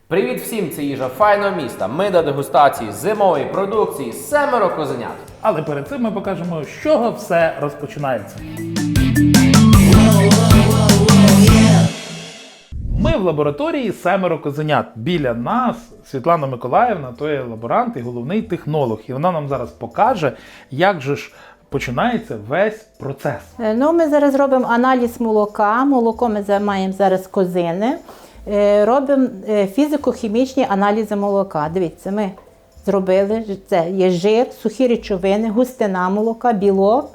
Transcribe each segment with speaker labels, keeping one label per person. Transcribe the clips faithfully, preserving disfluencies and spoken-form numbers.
Speaker 1: Привіт всім, це їжа файного міста. Ми до дегустації зимової продукції «Семеро козенят».
Speaker 2: Але перед цим ми покажемо, з чого все розпочинається. Ми в лабораторії «Семеро козенят». Біля нас Світлана Миколаївна, то є лаборант і головний технолог. І вона нам зараз покаже, як же ж починається весь процес.
Speaker 3: Ну, ми зараз робимо аналіз молока. Молоко ми маємо зараз козини. Робимо фізико-хімічні аналізи молока. Дивіться, ми зробили, це є жир, сухі речовини, густина молока, білок,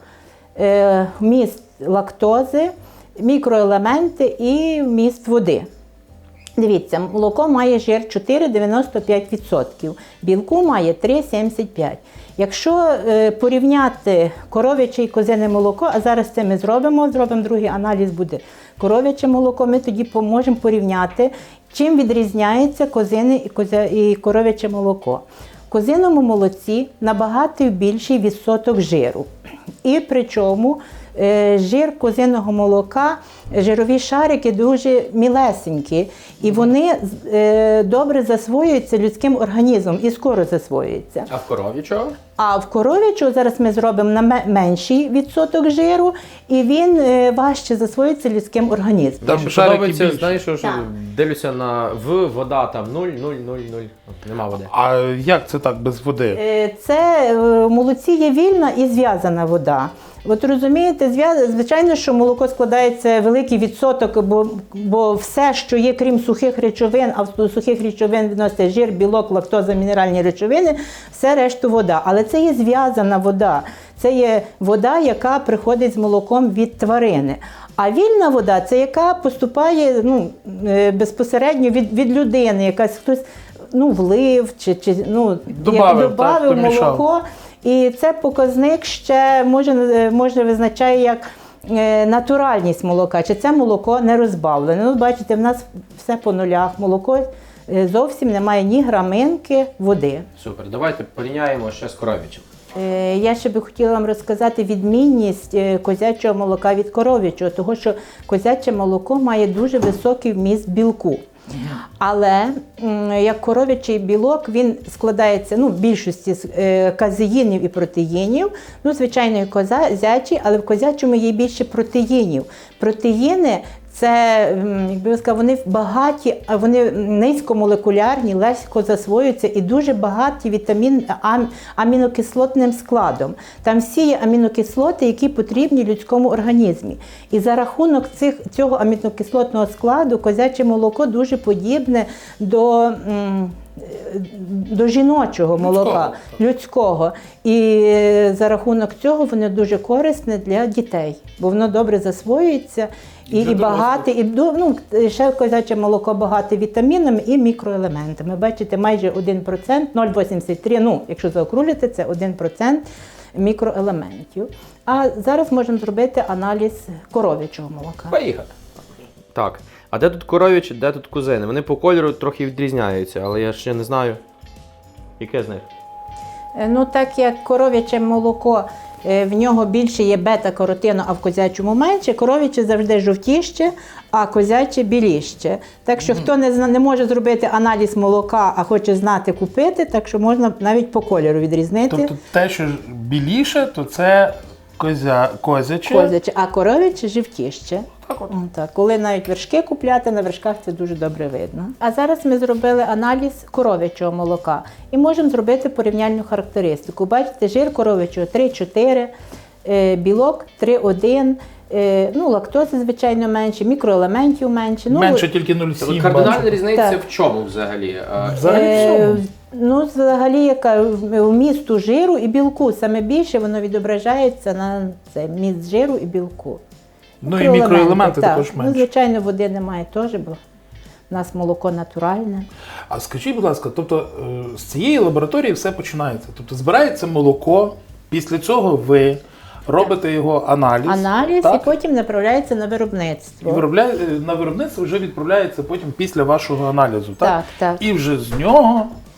Speaker 3: вміст лактози, мікроелементи і вміст води. Дивіться, молоко має жир чотири цілих дев'яносто п'ять відсотків, білку має три цілих сімдесят п'ять відсотків. Якщо е, порівняти коров'яче і козине молоко, а зараз це ми зробимо, зробимо другий аналіз, буде коров'яче молоко, ми тоді можемо порівняти, чим відрізняється козине і, козя, і коров'яче молоко. В козиному молоці набагато більший відсоток жиру. І причому е, жир козиного молока, жирові шарики дуже мілесенькі, і вони е, добре засвоюються людським організмом і скоро засвоюються.
Speaker 1: А в коров'ячого?
Speaker 3: А в коров'ячого зараз ми зробимо на менший відсоток жиру, і він е, важче засвоюється людським організмом.
Speaker 1: Там
Speaker 2: Там
Speaker 1: ще подобається,
Speaker 2: більше.
Speaker 1: знаєш, що
Speaker 3: Так.
Speaker 1: дивлюся на в, вода там нуль, нуль, нуль, нуль, нема води.
Speaker 2: А як це так, без води?
Speaker 3: Е, Це е, в молоці є вільна і зв'язана вода. От розумієте, звичайно, що молоко складається великий відсоток, бо, бо все, що є, крім сухих речовин, а до сухих речовин відноситься жир, білок, лактоза, мінеральні речовини, все решту вода. Але це є зв'язана вода. Це є вода, яка приходить з молоком від тварини. А вільна вода – це яка поступає ну, безпосередньо від, від людини, якась хтось ну, влив чи, чи ну,
Speaker 2: Добавив,
Speaker 3: добавив
Speaker 2: так,
Speaker 3: молоко. І це показник ще може, може визначає як е, натуральність молока, чи це молоко не розбавлене. Ну, бачите, в нас все по нулях, молоко е, зовсім не має ні граминки води.
Speaker 1: Супер, давайте порівняємо ще з коров'ячим.
Speaker 3: Е, я ще би хотіла вам розказати відмінність е, козячого молока від коров'ячого, тому що козяче молоко має дуже високий вміст білку. Але як коров'ячий білок, він складається ну, в більшості з е, казеїнів і протеїнів. Ну, звичайно, і козячий, але в козячому є більше протеїнів. Протеїни це, якби я сказала, вони багаті, вони низькомолекулярні, легко засвоюються і дуже багаті вітамін ам, амінокислотним складом. Там всі є амінокислоти, які потрібні людському організмі. І за рахунок цих, цього амінокислотного складу козяче молоко дуже подібне до м, до жіночого молока, людського. людського. І за рахунок цього воно дуже корисне для дітей, бо воно добре засвоюється і, і багате, і ну, ще козяче молоко багате вітамінами і мікроелементами. Бачите, майже один процент, нуль цілих вісімдесят три, ну, якщо заокруглити, це один процент мікроелементів. А зараз можемо зробити аналіз коров'ячого молока.
Speaker 1: Поїхали. Так, а де тут коров'ячі, де тут козини? Вони по кольору трохи відрізняються, але я ще не знаю, яке з них.
Speaker 3: Ну, так як коров'яче молоко, в нього більше є бета-каротину, а в козячому менше, коров'яче завжди жовтіще, а козяче біліще. Так що, mm-hmm. хто не, не може зробити аналіз молока, а хоче знати купити, так що можна навіть по кольору відрізнити.
Speaker 2: Тобто те, що біліше, то це козя, козяче.
Speaker 3: Козяче, а коров'яче жовтіще.
Speaker 2: Так от.
Speaker 3: Так, коли навіть вершки купляти, на вершках це дуже добре видно. А зараз ми зробили аналіз коров'ячого молока і можемо зробити порівняльну характеристику. Бачите, жир коров'ячого три чотири, білок три один, ну, лактози, звичайно, менше, мікроелементів менше.
Speaker 2: Менше тільки нуль цілих сім.
Speaker 1: Кардинальна різниця
Speaker 3: Так.
Speaker 1: в чому взагалі?
Speaker 2: Взагалі в чому?
Speaker 3: Ну, взагалі, яка вмісту жиру і білку. Саме більше воно відображається на це, вміст жиру і білку.
Speaker 2: Ну і мікроелементи
Speaker 3: так.
Speaker 2: також менше.
Speaker 3: Ну, звичайно, води немає теж, бо в нас молоко натуральне.
Speaker 2: А скажіть, будь ласка, тобто з цієї лабораторії все починається? Тобто збирається молоко, після цього ви робите його аналіз.
Speaker 3: Аналіз,
Speaker 2: так?
Speaker 3: і потім направляється на виробництво.
Speaker 2: І виробляє, на виробництво вже відправляється потім після вашого аналізу, так?
Speaker 3: Так, так.
Speaker 2: І вже з нього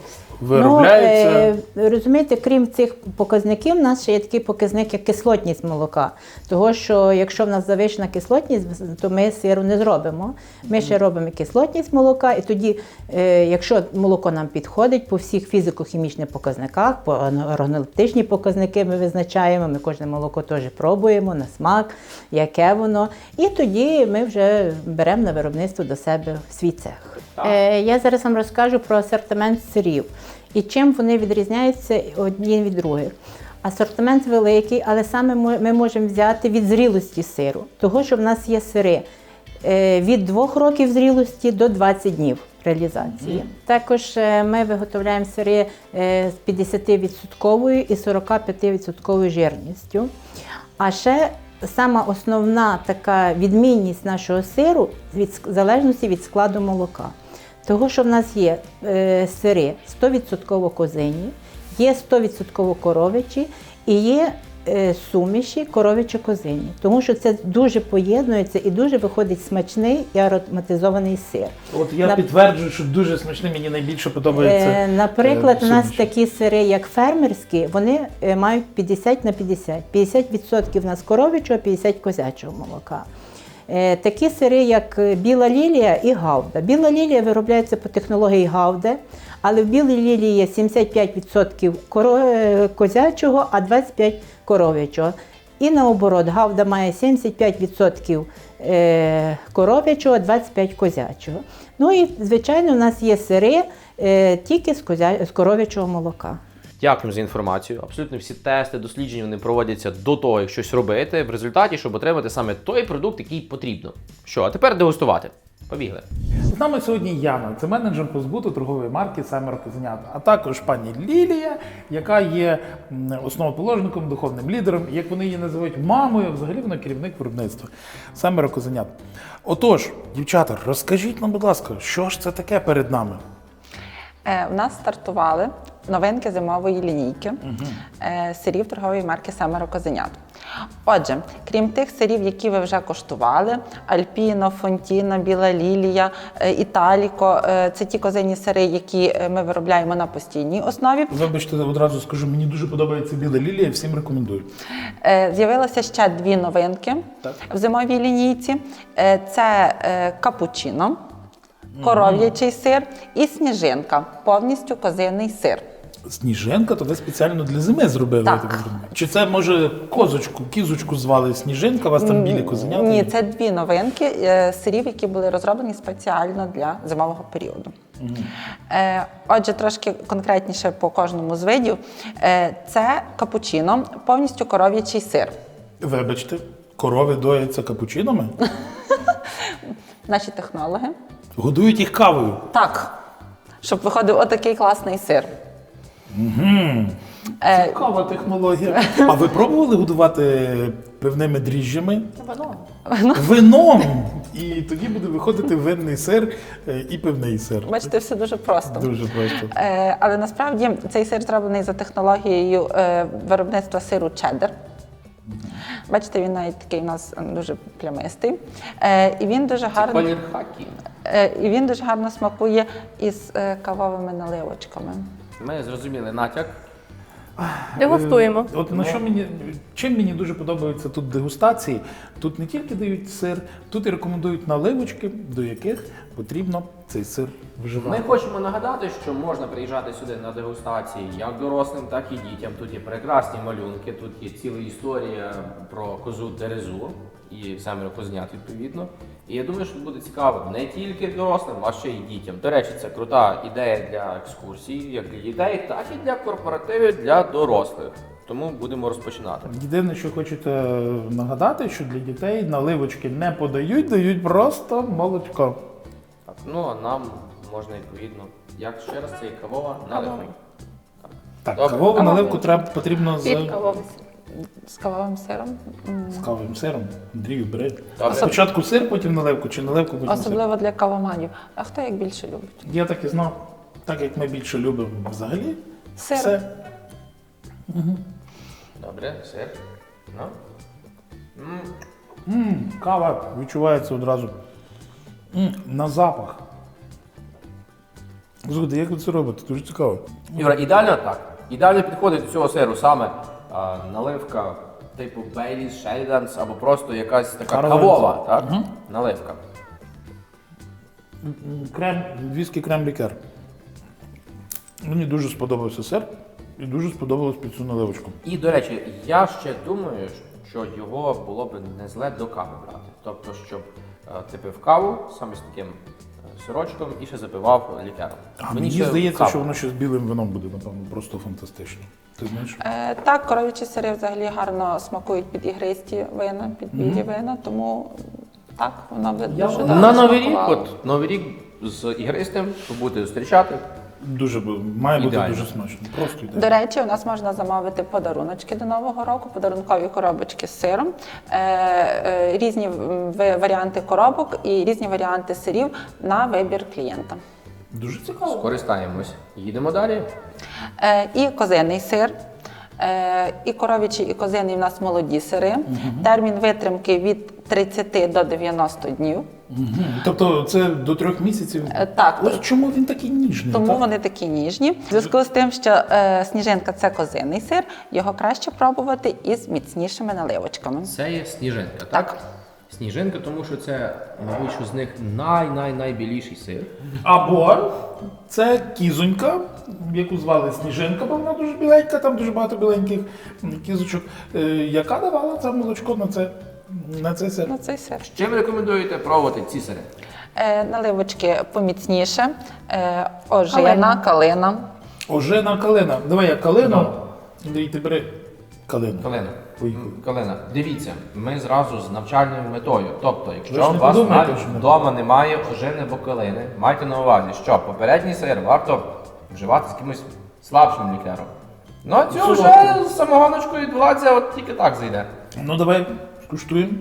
Speaker 2: виробляються.
Speaker 3: Ну, е, розумієте, крім цих показників, у нас ще є такий показник, як кислотність молока. Того, що якщо в нас завищена кислотність, то ми сиру не зробимо. Ми ще робимо кислотність молока, і тоді, е, якщо молоко нам підходить по всіх фізико-хімічних показниках, по органолептичні показники ми визначаємо, ми кожне молоко теж пробуємо на смак, яке воно. І тоді ми вже беремо на виробництво до себе в свій цех. Е, я зараз вам розкажу про асортимент сирів і чим вони відрізняються одні від других. Асортимент великий, але саме ми можемо взяти від зрілості сиру. Того, що в нас є сири е, від двох років зрілості до двадцяти днів реалізації. Mm. Також е, ми виготовляємо сири е, з п'ятдесятивідсотковою і сорокап'ятивідсотковою жирністю. А ще сама основна така відмінність нашого сиру від в залежності від складу молока. Того, що в нас є е, сири сто відсотків козині, є сто відсотків коровичі і є е, суміші коровичо-козині. Тому що це дуже поєднується і дуже виходить смачний і ароматизований сир.
Speaker 2: От я
Speaker 3: На...
Speaker 2: підтверджую, що дуже смачний, мені найбільше подобається.
Speaker 3: Е, наприклад,
Speaker 2: е,
Speaker 3: у нас
Speaker 2: суміші.
Speaker 3: такі сири, як фермерські, вони е, мають п'ятдесят на п'ятдесят. п'ятдесят відсотків у нас коровичого, п'ятдесят козячого молока. Е, такі сири, як біла лілія і гауда. Біла лілія виробляється по технології гауди, але в білій лілії є сімдесят п'ять відсотків козячого, а двадцять п'ять відсотків коров'ячого. І наоборот, гауда має сімдесят п'ять відсотків коров'ячого, двадцять п'ять відсотків козячого. Ну і, звичайно, у нас є сири е, тільки з, козя... з коров'ячого молока.
Speaker 1: Дякуємо за інформацію. Абсолютно всі тести, дослідження вони проводяться до того, як щось робити, в результаті, щоб отримати саме той продукт, який потрібно. Що, а тепер дегустувати. Побігли.
Speaker 2: З нами сьогодні Яна, це менеджер по збуту торгової марки «Семеро козенят», а також пані Лілія, яка є основоположником, духовним лідером, як вони її називають, мамою, а взагалі вона керівник виробництва «Семеро козенят». Отож, дівчата, розкажіть нам, будь ласка, що ж це таке перед нами?
Speaker 4: Е, у нас стартували новинки зимової лінійки угу. е, сирів торгової марки «Семеро козенят». Отже, крім тих сирів, які ви вже коштували, Альпіно, Фонтіно, Біла Лілія, е, Італіко, е, це ті козині сири, які ми виробляємо на постійній основі.
Speaker 2: Вибачте, одразу скажу, мені дуже подобається Біла Лілія, всім рекомендую.
Speaker 4: Е, з'явилося ще дві новинки так. в зимовій лінійці. Е, це е, капучино, коров'ячий сир і сніжинка, повністю козиний сир.
Speaker 2: Сніжинка, то ви спеціально для зими зробили?
Speaker 4: Так.
Speaker 2: Чи це, може, козочку, кізочку звали Сніжинка, у вас там білі козенята?
Speaker 4: Ні, це дві новинки е, сирів, які були розроблені спеціально для зимового періоду. Угу. Е, отже, трошки конкретніше по кожному з видів. Е, це капучино, повністю коров'ячий сир.
Speaker 2: Вибачте, корови дояться капучинами?
Speaker 4: Наші технологи.
Speaker 2: Годують їх кавою?
Speaker 4: Так, щоб виходив отакий класний сир.
Speaker 2: Угу. Цікава технологія. А ви пробували годувати пивними дріжджами?
Speaker 4: Вином.
Speaker 2: Вином! І тоді буде виходити винний сир і пивний сир.
Speaker 4: Бачите, все дуже просто.
Speaker 2: Дуже просто.
Speaker 4: Е, але насправді цей сир зроблений за технологією е, виробництва сиру чеддер. Бачите, він навіть такий у нас дуже плямистий. Е, і він дуже гарно.
Speaker 1: Колір хакі.
Speaker 4: Е, і він дуже гарно смакує із е, кавовими наливочками.
Speaker 1: Ми зрозуміли натяк.
Speaker 5: Дегустуємо.
Speaker 2: От на що мені, чим мені дуже подобаються тут дегустації, тут не тільки дають сир, тут і рекомендують наливочки, до яких потрібно цей сир вживати.
Speaker 1: Ми хочемо нагадати, що можна приїжджати сюди на дегустації як дорослим, так і дітям. Тут є прекрасні малюнки, тут є ціла історія про козу Дерезу і «Семеро козенят» відповідно. І я думаю, що буде цікаво не тільки дорослим, а ще й дітям. До речі, це крута ідея для екскурсій, як для дітей, так і для корпоративів для дорослих. Тому будемо розпочинати.
Speaker 2: Єдине, що хочете нагадати, що для дітей наливочки не подають, дають просто молочко.
Speaker 1: Так, ну а нам можна відповідно, як ще раз це і кавова наливка. Так,
Speaker 2: так
Speaker 1: Добре.
Speaker 2: кавову
Speaker 4: Кавовий.
Speaker 2: наливку треба, потрібно з,
Speaker 5: Під кавовий.
Speaker 4: З кавовим сиром.
Speaker 2: з кавовим сиром. Андрію, бери.
Speaker 1: Добре.
Speaker 2: Спочатку сир, потім наливку, чи наливку, потім сир.
Speaker 4: Особливо для кавоманів. А хто як більше любить?
Speaker 2: Я так і знав. Так як ми більше любимо взагалі,
Speaker 4: Сир.
Speaker 2: все.
Speaker 1: Добре, сир. Ну. М,
Speaker 2: Мм, кава відчувається одразу. М, на запах. Слухайте, як ви це робите? Дуже цікаво.
Speaker 1: Юра, ідеально так. Ідеально підходить до цього сиру саме а, наливка типу Baileys, Sheldons або просто якась така
Speaker 2: Карл
Speaker 1: кавова,
Speaker 2: Ланц.
Speaker 1: так? Наливка.
Speaker 2: Крем, віскі крем-лікер. Мені дуже сподобався сир і дуже сподобалось під цю наливочку.
Speaker 1: І, до речі, я ще думаю, що його було б не зле до кави брати. Тобто, щоб е, ти пив каву саме з таким е, сирочком і ще запивав лікером.
Speaker 2: А мені,
Speaker 1: ще
Speaker 2: здається,
Speaker 1: кава.
Speaker 2: що воно ще з білим вином буде, напевно, просто фантастично. Ти знаєш?
Speaker 4: Е, так, коров'ячі сири взагалі гарно смакують під ігристі вина, під білі вина, тому так, воно буде дуже добре
Speaker 1: На Новий рік,
Speaker 4: смакувало.
Speaker 1: от Новий рік з ігристим, щоб бути зустрічати.
Speaker 2: Дуже бу- має бути
Speaker 1: Ідеально.
Speaker 2: дуже смачно. Просто ідеально.
Speaker 4: До речі, у нас можна замовити подаруночки до Нового року, подарункові коробочки з сиром, е, е, різні м, ви- варіанти коробок і різні варіанти сирів на вибір клієнта.
Speaker 2: Дуже цікаво.
Speaker 1: Скористаємось. Їдемо далі.
Speaker 4: Е, і козиний сир. Е, І коров'ячий, і козиний в нас молоді сири. Термін витримки від тридцяти до дев'яноста днів.
Speaker 2: Мгм. Тобто це до трьох місяців.
Speaker 4: Е, так.
Speaker 2: Ось чому він такий ніжний.
Speaker 4: Тому
Speaker 2: так?
Speaker 4: вони такі ніжні. В зв'язку з тим, що е, сніжинка це козиний сир, його краще пробувати із міцнішими наливочками.
Speaker 1: Це є сніжинка, так?
Speaker 4: Так.
Speaker 1: Сніжинка, тому що це, мабуть, що з них най-най-найбіліший сир.
Speaker 2: Або це кізонька, яку звали Сніжинка, бо вона дуже біленька, там дуже багато біленьких кізочок, е, яка давала це молочко на це, на цей сир.
Speaker 4: Ну, цей сир.
Speaker 1: З чим рекомендуєте пробувати ці сири?
Speaker 4: Е, наливочки поміцніше, е, ожина,
Speaker 3: Калина.
Speaker 4: калина.
Speaker 2: Ожина калина. Давай я калину. І ти бери калину.
Speaker 1: Калина.
Speaker 2: Поїхали.
Speaker 1: Калина, дивіться, ми зразу з навчальною метою. Тобто,
Speaker 2: Ви
Speaker 1: якщо
Speaker 2: ж
Speaker 1: у
Speaker 2: не
Speaker 1: вас
Speaker 2: подумайте,
Speaker 1: навіть
Speaker 2: що ми-
Speaker 1: вдома немає ожини або калини, майте на увазі, що попередній сир варто вживати з якимось слабшим лікером. Ну а цього вже
Speaker 2: Солодким.
Speaker 1: з самогоночкою відбувається, от тільки так зайде.
Speaker 2: Ну давай скуштуємо.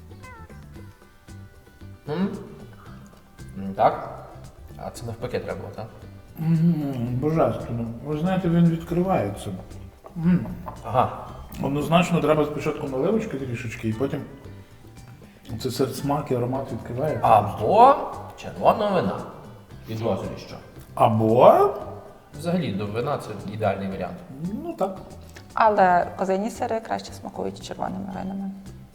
Speaker 1: М? М, Так? А це навпаки треба було, так?
Speaker 2: М, Божественно. Ви знаєте, він відкривається. М.
Speaker 1: Ага.
Speaker 2: Однозначно треба спочатку наливочки трішечки, і потім це сир смак і аромат відкриває.
Speaker 1: Або червоного вина. Підозрюю, що.
Speaker 2: Або,
Speaker 1: Взагалі, до вина це ідеальний варіант.
Speaker 2: ну так.
Speaker 4: Але козині сири краще смакують червоними винами.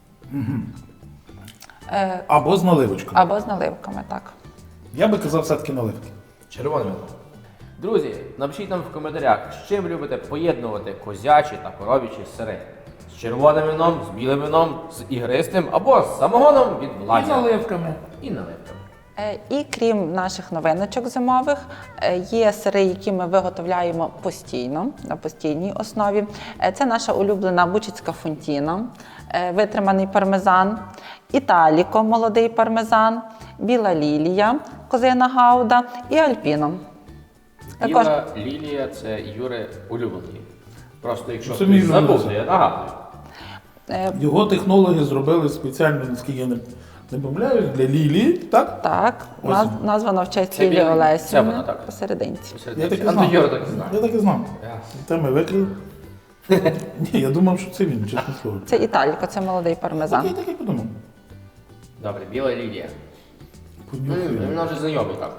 Speaker 4: Е,
Speaker 2: Або з наливочкою.
Speaker 4: або з наливками, так.
Speaker 2: Я би казав все-таки наливки.
Speaker 1: Червоне вино. Друзі, напишіть нам в коментарях, з чим любите поєднувати козячі та коров'ячі сири. З червоним вином, з білим вином, з ігристим або з самогоном від
Speaker 2: І
Speaker 1: Владя.
Speaker 2: наливками.
Speaker 1: І наливками.
Speaker 4: Е, І крім наших новиночок зимових, е, є сири, які ми виготовляємо постійно, на постійній основі. Е, Це наша улюблена бучицька фунтіна, е, витриманий пармезан, італіко, молодий пармезан, біла лілія, козина гауда і альпіно. Також
Speaker 1: Біла лілія це Юри улюблений. Просто якщо
Speaker 2: Це мій
Speaker 1: хтось забув,
Speaker 2: улюблений.
Speaker 1: то я нагадую.
Speaker 4: е,
Speaker 2: Його технологи зробили спеціально, наскільки я не, не помиляюсь, для Лілії, так?
Speaker 4: так,
Speaker 2: Ось.
Speaker 4: наз, названо в честь
Speaker 1: Це
Speaker 4: Лілії
Speaker 1: біла- це
Speaker 4: Олесівни
Speaker 1: вона, так.
Speaker 4: посерединці.
Speaker 2: Я так і
Speaker 1: А
Speaker 2: знав.
Speaker 1: то Юра так і знає.
Speaker 2: Я так і знав.
Speaker 1: Ясно.
Speaker 2: Та ми викрив. Ні, я думав, що це він, чесне слово.
Speaker 4: Це італіко, це молодий пармезан.
Speaker 2: Я так і подумав.
Speaker 1: Добре, біла лілія.
Speaker 2: Понюхаю.
Speaker 1: М, Вона вже знайомий так.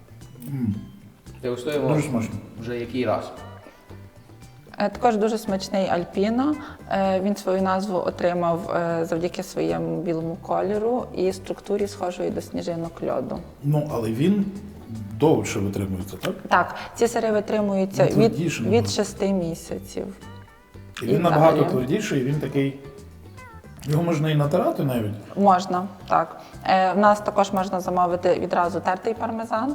Speaker 1: Дегустуємо
Speaker 2: Дуже смачно.
Speaker 1: вже який раз.
Speaker 4: Е, Також дуже смачний альпіно. Е, Він свою назву отримав е, завдяки своєму білому кольору і структурі схожої до сніжинок льоду.
Speaker 2: Ну, але він довше витримується, так?
Speaker 4: Так, ці сири витримуються
Speaker 2: Ну,
Speaker 4: від,
Speaker 2: твердіше,
Speaker 4: від
Speaker 2: мабуть.
Speaker 4: шести місяців.
Speaker 2: І
Speaker 4: І
Speaker 2: він набагато
Speaker 4: взагалі.
Speaker 2: твердіший, і він такий. Його можна і натирати навіть.
Speaker 4: Можна, так. Е, В нас також можна замовити відразу тертий пармезан.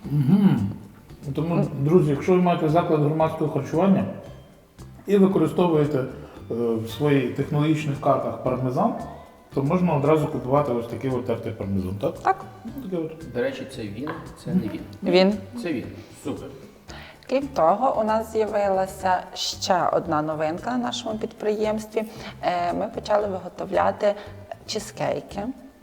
Speaker 2: Тому, друзі, якщо ви маєте заклад громадського харчування і використовуєте е, в своїх технологічних картах пармезан, то можна одразу купувати ось такий от тертий пармезан, так?
Speaker 4: Так,
Speaker 2: Ну, таке от.
Speaker 1: До речі, це він, це не він.
Speaker 4: він.
Speaker 1: Це він. Супер.
Speaker 4: Крім того, у нас з'явилася ще одна новинка на нашому підприємстві. Е, Ми почали виготовляти чизкейки.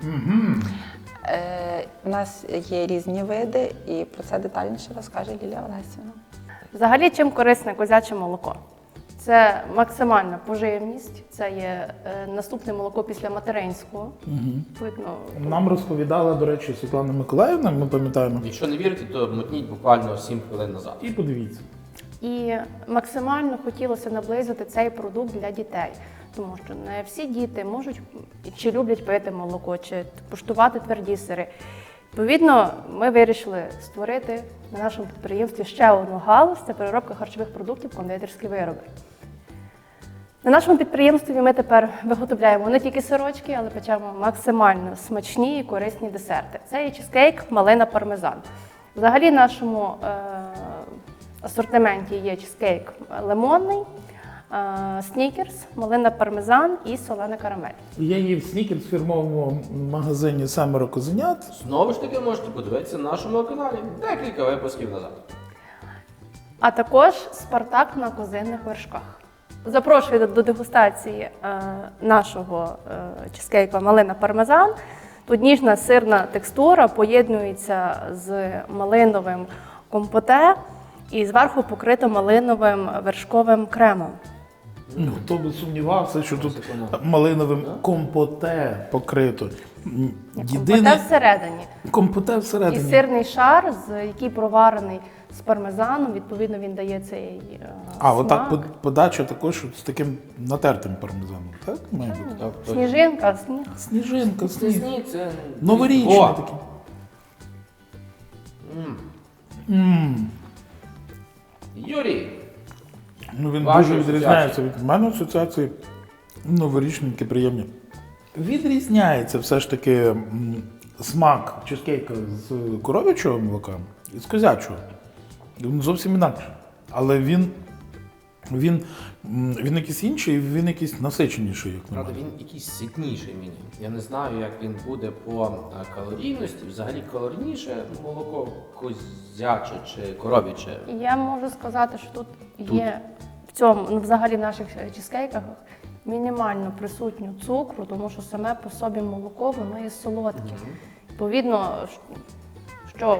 Speaker 4: Е, У нас є різні види, і про це детальніше розкаже Лілія Олесівна.
Speaker 5: Взагалі, чим корисне козяче молоко? Це максимальна поживність, це є е, наступне молоко після материнського. Видно,
Speaker 2: Нам розповідала, до речі, Світлана Миколаївна, ми пам'ятаємо.
Speaker 1: Якщо не вірите, то мотніть буквально сім хвилин назад.
Speaker 2: І подивіться.
Speaker 5: І максимально хотілося наблизити цей продукт для дітей, тому що не всі діти можуть чи люблять пити молоко, чи куштувати тверді сири. Відповідно, ми вирішили створити на нашому підприємстві ще одну галузь – це переробка харчових продуктів, кондитерські вироби. На нашому підприємстві ми тепер виготовляємо не тільки сирочки, але печемо максимально смачні і корисні десерти. Це є чизкейк, малина, пармезан. Взагалі в нашому е- асортименті є чизкейк лимонний, е- снікерс, малина, пармезан і солена карамель.
Speaker 2: Я їв снікерс в фірмовому магазині «Семеро козенят».
Speaker 1: Знову ж таки, можете подивитися на нашому каналі декілька випусків назад.
Speaker 5: А також Спартак на козинних вершках. Запрошую до, до дегустації е, нашого е, чизкейка малина пармезан. Тут ніжна сирна текстура поєднується з малиновим компоте і зверху покрито малиновим вершковим кремом.
Speaker 2: Ну, хто би сумнівався, що тут малиновим компоте покрито. М,
Speaker 5: Компоте
Speaker 2: Єдине
Speaker 5: всередині.
Speaker 2: компоте
Speaker 5: І
Speaker 2: всередині.
Speaker 5: сирний шар, з, який проварений з пармезаном, відповідно він дає цей е,
Speaker 2: А,
Speaker 5: смак.
Speaker 2: отак под- подача також з таким натертим пармезаном, так? Має бути?
Speaker 1: Так, то-
Speaker 5: Сніжинка, сніг.
Speaker 2: Сніжинка,
Speaker 1: Це
Speaker 2: сніг.
Speaker 1: сніг, це
Speaker 2: Новорічний
Speaker 1: О!
Speaker 2: такий.
Speaker 1: М.
Speaker 2: М.
Speaker 1: Юрій,
Speaker 2: Ну, він
Speaker 1: Ваші
Speaker 2: дуже відрізняється від мене асоціації. Новорічненькі, приємні. Відрізняється все ж таки м, смак чизкейка з коров'ячого молока і з козячого. Він зовсім інакше. Але він, він, м, він якийсь інший, він якийсь насиченіший, як на
Speaker 1: правда,
Speaker 2: мене.
Speaker 1: він якийсь ситніший мені. Я не знаю, як він буде по е, калорійності. Взагалі калорійніше молоко козяче чи коров'яче.
Speaker 5: І я можу сказати, що тут є в цьому, ну взагалі в наших чизкейках мінімально присутньо цукру, тому що саме по собі молоко, воно є солодке. Відповідно, що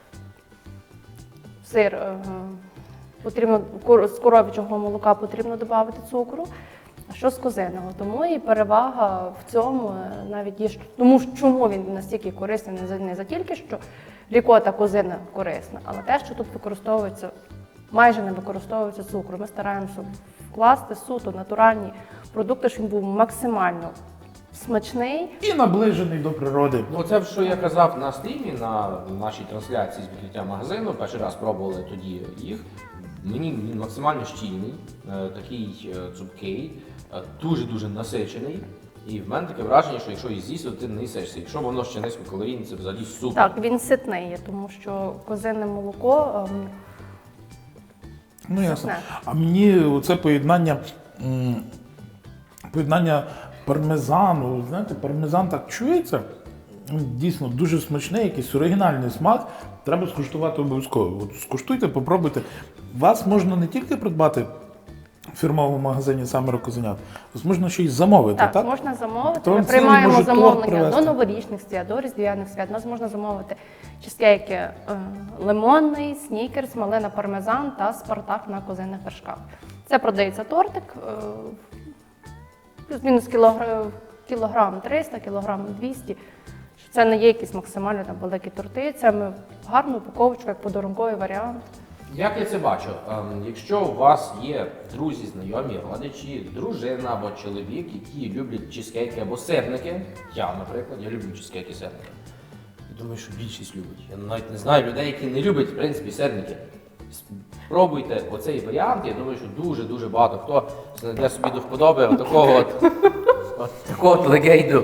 Speaker 5: сир е, потрібно кор- з коров'ячого молока потрібно додати цукру, а що з козиного. Тому і перевага в цьому е, навіть є, що- тому що чому він настільки корисний, не за, не за тільки, що рікота козина корисна, але те, що тут використовується, майже не використовується цукру. Ми стараємося вкласти суто натуральні продукти, щоб він був максимально смачний.
Speaker 2: І наближений до природи.
Speaker 1: Ну, це що я казав на стрімі, на нашій трансляції з відкриття магазину. Перший раз пробували тоді їх. Мені він максимально щільний, е, такий е, цупкий, е, дуже-дуже насичений. І в мене таке враження, що якщо її з'їсти, то ти не їсишся. Якщо воно ще низькокалорійне, це взагалі супер.
Speaker 5: Так, він ситний є, тому що козине молоко ем,
Speaker 2: Ну, ясно.
Speaker 5: Сосне.
Speaker 2: А мені оце поєднання, м, поєднання пармезану, знаєте, пармезан так чується, м, дійсно дуже смачний, якийсь оригінальний смак. Треба скуштувати обов'язково. От скуштуйте, попробуйте. Вас можна не тільки придбати в фірмовому магазині «Семеро козенят», вас можна ще й замовити, так?
Speaker 5: так, можна замовити.
Speaker 2: То
Speaker 5: Ми
Speaker 2: вам цілий
Speaker 5: приймаємо
Speaker 2: може торт
Speaker 5: замовлення
Speaker 2: привезти.
Speaker 5: до новорічних свят, до різдвяних свят. У нас можна замовити чизкейки е, лимонний, снікерс, малина пармезан та спартак на козинних вершках. Це продається тортик, е, плюс-мінус кілограм, кілограм триста, кілограм двісті. Це не є якісь максимально там великі торти, це ми в гарну упаковочку, як подарунковий варіант.
Speaker 1: Як я це бачу? Ем, Якщо у вас є друзі, знайомі, родичі, дружина або чоловік, які люблять чизкейки або сирники, я, наприклад, я люблю чизкейки і сирники. Я думаю, що більшість любить. Я навіть не знаю людей, які не люблять, в принципі, сирники. Спробуйте оцей варіант, я думаю, що дуже-дуже багато хто знайде собі до вподоби отакого от, от такого от легейду.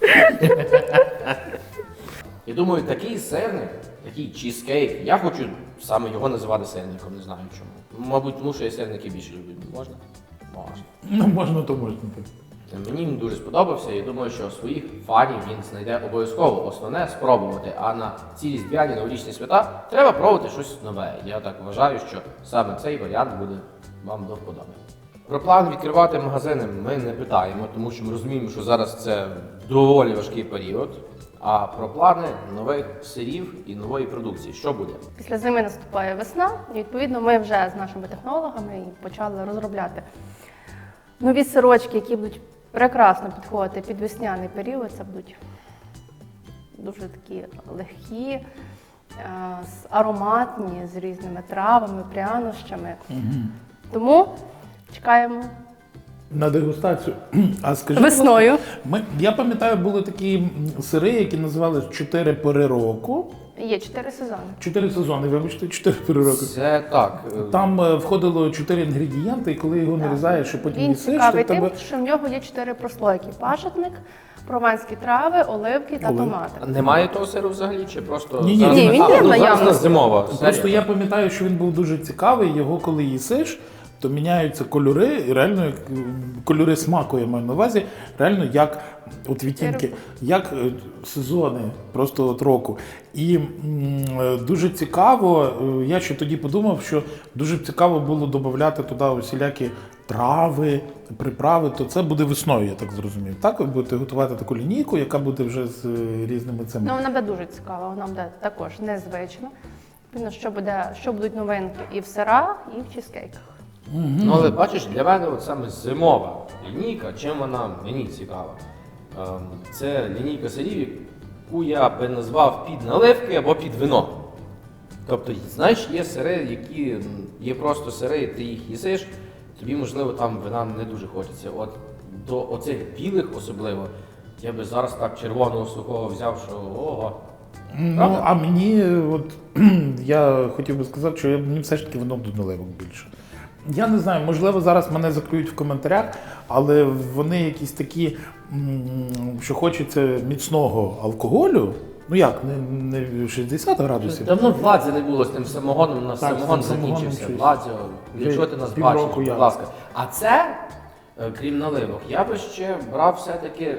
Speaker 1: Я думаю, такий сирник, такий чізкейк, я хочу саме його називати сирником, не знаю чому. Мабуть, тому що я сирники більше люблю. Можна? Можна.
Speaker 2: Ну, можна, то можна. так.
Speaker 1: Мені він дуже сподобався і думаю, що своїх фанів він знайде обов'язково. Основне спробувати. А на ці різдвяні новорічні свята треба пробувати щось нове. Я так вважаю, що саме цей варіант буде вам до вподоби. Про план відкривати магазини ми не питаємо, тому що ми розуміємо, що зараз це доволі важкий період. а про плани нових сирів і нової продукції. Що буде?
Speaker 5: Після зими наступає весна, і відповідно ми вже з нашими технологами і почали розробляти нові сирочки, які будуть прекрасно підходити під весняний період. Це будуть дуже такі легкі, е, з- ароматні, з різними травами, прянощами. Тому чекаємо
Speaker 2: На дегустацію. А скажіть,
Speaker 5: весною.
Speaker 2: ми, я пам'ятаю, були такі м, сири, які називались чотири пори року.
Speaker 5: Є чотири сезони.
Speaker 2: Чотири сезони, вибачте, чотири пори року.
Speaker 1: Це так. е,
Speaker 2: Там е, входило чотири інгредієнти, і коли його нарізаєш, і потім
Speaker 5: Він
Speaker 2: їсиш,
Speaker 5: цікавий
Speaker 2: то в
Speaker 5: тим,
Speaker 2: тебе...
Speaker 5: що в нього є чотири прослойки: пашетник, прованські трави, оливки та
Speaker 2: Оливки.
Speaker 5: томати.
Speaker 1: Немає того сиру взагалі, чи просто
Speaker 2: Ні-ні,
Speaker 1: зараз-
Speaker 2: Ні,
Speaker 5: він
Speaker 1: А,
Speaker 5: є
Speaker 1: ну, зараз
Speaker 5: наявний.
Speaker 1: у нас зимова.
Speaker 2: Просто
Speaker 1: серія.
Speaker 2: я пам'ятаю, що він був дуже цікавий, його коли їсиш, то міняються кольори, і реально як, м, кольори смаку, я маю на увазі, реально як от відтінки, як е, сезони просто от року. І м, е, дуже цікаво, е, я ще тоді подумав, що дуже б цікаво було додати туди усілякі трави, приправи, то це буде весною, я так зрозумів. Так, ви будете готувати таку лінійку, яка буде вже з е, різними цими.
Speaker 5: Ну, вона буде дуже цікава, вона буде також незвична. Відповідно, що буде, що будуть новинки і в сирах, і в чизкейках.
Speaker 1: Ну, але бачиш, для мене от саме зимова лінійка, чим вона мені цікава. Ем, Це лінійка сирів, яку я би назвав під наливки або під вино. Тобто, знаєш, є сири, які м, є просто сири, ти їх їсиш, тобі, можливо, там вина не дуже хочеться. От до оцих білих особливо, я би зараз так червоного сухого взяв, що ого.
Speaker 2: Ну,
Speaker 1: Правда?
Speaker 2: а мені, е, от я хотів би сказати, що я- мені все ж таки воно до наливок більше. Я не знаю, можливо, зараз мене заклюють в коментарях, але вони якісь такі, м, що хочеться міцного алкоголю. Ну як, не, не шістдесят градусів.
Speaker 1: Давно в Владзі не було з тим самогоном, у нас
Speaker 2: Так,
Speaker 1: самогон
Speaker 2: з тим самогоном
Speaker 1: закінчився.
Speaker 2: щось.
Speaker 1: Владзі,
Speaker 2: Вже
Speaker 1: якщо ти нас
Speaker 2: півроку
Speaker 1: бачиш,
Speaker 2: я.
Speaker 1: будь ласка. А це, е, крім наливок, я би ще брав все-таки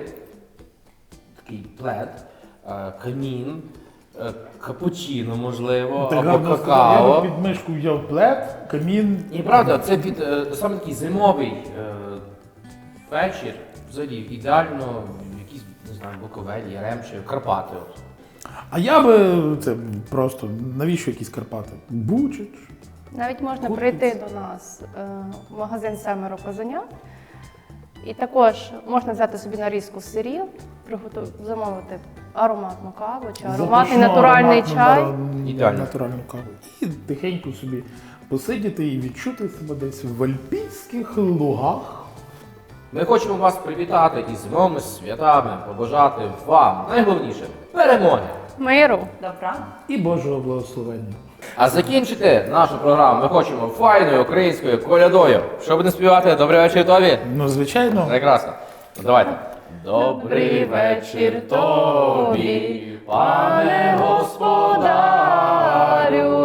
Speaker 1: такий плед, е, камін, е, капучино, можливо,
Speaker 2: Так
Speaker 1: або
Speaker 2: гарно сказав. Я
Speaker 1: какао.
Speaker 2: би під мишку взяв плед, камін.
Speaker 1: І правда, це під е, саме такий зимовий е, вечір, взагалі ідеально в якісь, не знаю, Буковель, Яремче, Карпати. От.
Speaker 2: А я би це просто, навіщо якісь Карпати? Бучач.
Speaker 5: Навіть можна
Speaker 2: Купить.
Speaker 5: прийти до нас е, в магазин «Семеро козенят». І також можна взяти собі нарізку сирів, приготувати, замовити ароматну каву чи ароматний
Speaker 2: Запашну,
Speaker 5: натуральний
Speaker 2: ароматну,
Speaker 5: чай.
Speaker 2: на-
Speaker 1: Ідеально.
Speaker 2: Натуральну каву. І тихенько собі посидіти і відчути себе десь в альпійських лугах.
Speaker 1: Ми хочемо вас привітати із зимовими святами, побажати вам найголовніше перемоги.
Speaker 5: Миру.
Speaker 2: І Божого благословення.
Speaker 1: А закінчити нашу програму ми хочемо файною українською колядою. Що будемо співати? Добрий вечір тобі.
Speaker 2: Ну, звичайно.
Speaker 1: Прекрасно. Ну, давайте. Добрий вечір тобі, пане господарю.